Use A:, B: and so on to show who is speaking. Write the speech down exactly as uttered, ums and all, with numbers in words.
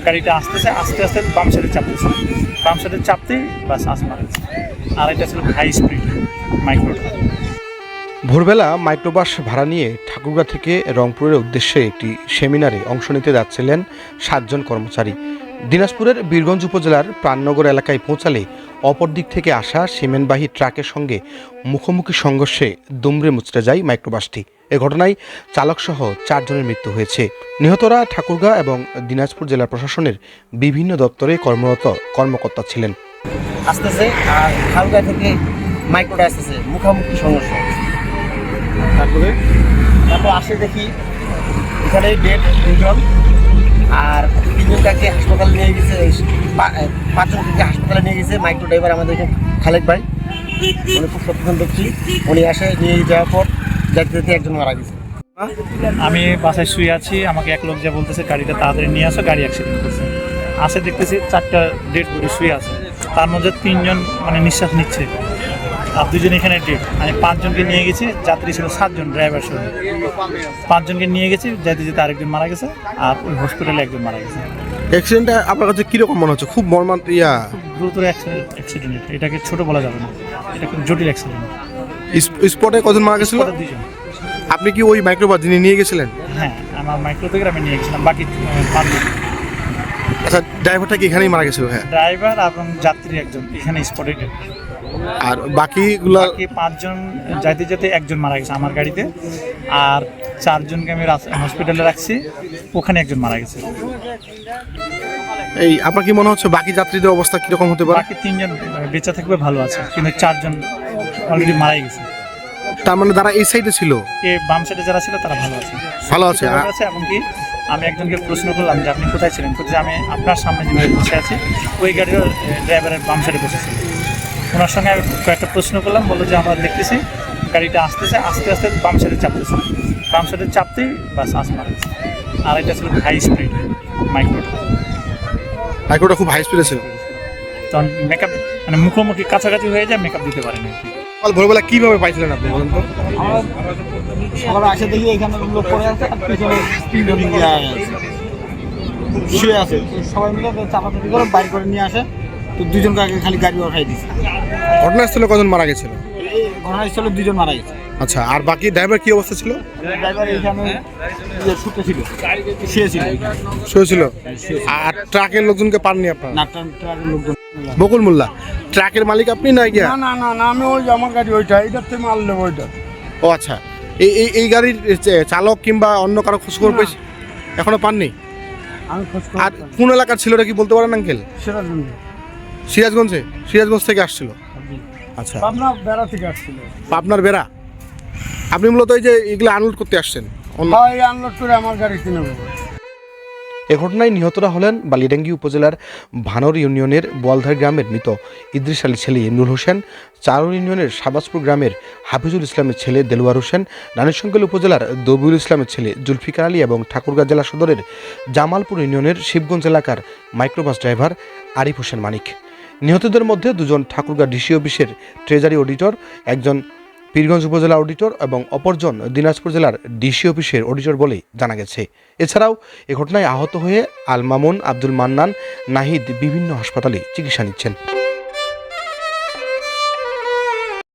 A: গাড়িটা আসতেছে আস্তে আস্তে বাম সাইডে চাপতেছে, বাম সাইডে চাপতেই বাস আস মারেছে। আর এটা ছিল হাই স্পিড মাইক্রোটা।
B: ভোরবেলা মাইক্রোবাস ভাড়া নিয়ে ঠাকুরগাঁ থেকে রংপুরের উদ্দেশ্যে একটি সেমিনারে অংশ নিতে যাচ্ছিলেন সাতজন কর্মচারী। দিনাজপুরের বীরগঞ্জ উপজেলার প্রাণনগর এলাকায় পৌঁছালে অপর দিক থেকে আসা সিমেন্টবাহী ট্রাকের সঙ্গে মুখোমুখি সংঘর্ষে দুমড়ে মুচড়ে যায় মাইক্রোবাসটি। এ ঘটনায় চালকসহ চারজনের মৃত্যু হয়েছে। নিহতরা ঠাকুরগাঁ এবং দিনাজপুর জেলা প্রশাসনের বিভিন্ন দপ্তরে কর্মরত কর্মকর্তা ছিলেন।
C: আসতেছে আর ঠাকুরগাঁ থেকে মাইক্রোটা আসতেছে, মুখোমুখি সংঘর্ষ। তারপরে তারপর আসে দেখি এখানে ডেড দুজন, আর তিনজনকে হাসপাতালে নিয়ে গেছে, পাঁচজনকে হাসপাতালে নিয়ে গেছে। মাইক্রো ড্রাইভার আমাদের খালেক ভাই, উনি খুব সচেতন ব্যক্তি, উনি আসে নিয়ে যাওয়ার পর যাতে যেতে একজন মারা গেছে।
A: আমি বাসায় শুয়ে আছি, আমাকে এক লোক যা বলতেছে গাড়িটা তাড়াতাড়ি নিয়ে আসো, গাড়ি অ্যাক্সিডেন্ট করছে। আসে দেখতেছি চারটা ডেড বডি শুয়ে আছে, তার মধ্যে তিনজন মানে নিঃশ্বাস নিচ্ছে আর দুজন এখানে ডেড। আমি পাঁচজনকে নিয়ে গেছি, যাত্রী ছিল সাতজন ড্রাইভার সহ। পাঁচজনকে নিয়ে গেছি, যেতে যেতে আরেকজন মারা গেছে আর ওই হসপিটালে একজন মারা গেছে।
B: অ্যাক্সিডেন্টটা আপনার কাছে কীরকম মনে হচ্ছে? খুব মর্মান্ত ইয়া
A: গুরুতর অ্যাক্সিডেন্ট, এটাকে ছোট বলা যাবে না, এটা খুব জটিল অ্যাক্সিডেন্ট।
B: স্পটে কজন মারা গেছিল?
A: দুজন।
B: আপনি কি ওই মাইক্রোবাস যিনি নিয়ে গেছিলেন?
A: হ্যাঁ, আমার মাইক্রো থেকে আমি নিয়ে গেছিলাম, বাকি পাঁচজন।
B: আচ্ছা, ড্রাইভারটা কি এখানেই মারা গেছিল? হ্যাঁ,
A: ড্রাইভার এবং যাত্রী একজন এখানে স্পটে ডেড।
B: আর বাকিগুলো
A: বাকি পাঁচজন যাইতে যেতে একজন মারা গেছে আমার গাড়িতে, আর চারজনকে আমি হসপিটালে রাখছি, ওখানে একজন মারা গেছে।
B: এই আপনার কি মনে হচ্ছে বাকি যাত্রীদের অবস্থা কিরকম হতে পারে?
A: বাকি তিনজন বেঁচে থাকবে ভালো আছে, কিন্তু চারজন অলরেডি মারাই গেছে।
B: তার মানে যারা এই সাইডে ছিল,
A: এ বাম সাইডে যারা ছিল তারা ভালো আছে,
B: ভালো আছে।
A: ভালো আছে। এমনকি আমি একজনকে প্রশ্ন করলাম যে আপনি কোথায় ছিলেন, যে আমি আপনার সামনে যেভাবে বসে আছি ওই গাড়ির ড্রাইভারের বাম সাইডে বসেছি। ওনার সঙ্গে আমি কয়েকটা প্রশ্ন করলাম, বললো যে আমরা দেখতেছি গাড়িটা আসতেছে আস্তে আস্তে বাম সাইডে চাপতেছে, বাম সাইডে চাপতেই বাস আস মারেছে। আর এটা ছিল হাই স্পিড মাইক্রোটা।
B: মাইক্রোটা খুব হাই স্পিডে ছিল,
A: তখন মেকআপ মানে মুখোমুখি কাছাকাছি হয়ে যায়, মেকআপ দিতে পারেনি।
B: কাল ভোরবেলা কিভাবে পাইছিলেন আপনি বলেন তো?
C: সকালে আসে দেখি এখানে লোক পড়ে আছে আর পিছনে তিনজন শুয়ে আছে, সবাই মিলে চাপাচাপি করে বাইর করে নিয়ে আসে, তো দুজনকে আগে খালি গাড়ি ওঠাই দিচ্ছে।
B: ঘটনাস্থলে কজন মারা গেছিল?
C: এই ঘটনাস্থলে দুজন মারা গেছে।
B: আচ্ছা, আর বাকি ড্রাইভার কি অবস্থা ছিল?
C: ড্রাইভার এইখানে শুতে ছিল, শুয়েছিল
B: শুয়েছিল। আর ট্রাকের লোকজনকে পাননি আপনার?
C: না, ট্রাকের লোকজন।
B: বকুল মোল্লা, ট্রাকের মালিক আপনি না গিয়া?
D: না না না না আমি ওই আমার গাড়ি ওইটা এইটার থেকে মাল নেবো ওইটা।
B: ও আচ্ছা, এই এই এই গাড়ির চালক কিংবা অন্য কারো খোঁজখবর পেয়েছি এখনো পাননি?
D: আমি খোঁজ
B: আর কোন এলাকার ছিল এটা কি বলতে পারেন আঙ্কেল?
D: সেটা শুনবো।
B: সিরাজগঞ্জে? সিরাজগঞ্জ থেকে আসছিল। আচ্ছা,
D: পাবনা বেড়া থেকে আসছিল।
B: পাবনার বেড়া। আপনি মূলত এই যে এগুলো আনলোড করতে আসছেন?
D: হয় আনলোড করে আমার গাড়ি কিনে নেবো।
B: এ ঘটনায় নিহতরা হলেন বালিডাঙ্গি উপজেলার ভানর ইউনিয়নের বোয়ালধার গ্রামের মৃত ইদ্রিস আলী ছেলে ইমরুল হোসেন, চারুল ইউনিয়নের শাহবাজপুর গ্রামের হাফিজুল ইসলামের ছেলে দেলোয়ার হোসেন, রানীশঙ্কল উপজেলার দবিউল ইসলামের ছেলে জুলফিকার আলী এবং ঠাকুরগাঁ জেলা সদরের জামালপুর ইউনিয়নের শিবগঞ্জ এলাকার মাইক্রোবাস ড্রাইভার আরিফ হোসেন মানিক। নিহতদের মধ্যে দুজন ঠাকুরগাঁ ডিসি অফিসের ট্রেজারি অডিটর, একজন পীরগঞ্জ উপজেলা অডিটর এবং অপরজন দিনাজপুর জেলার ডিসি অফিসের অডিটর বলে জানা গেছে। এছাড়াও এ ঘটনায় আহত হয়ে আল মামুন, আব্দুল মান্নান, নাহিদ বিভিন্ন হাসপাতালে চিকিৎসা নিচ্ছেন।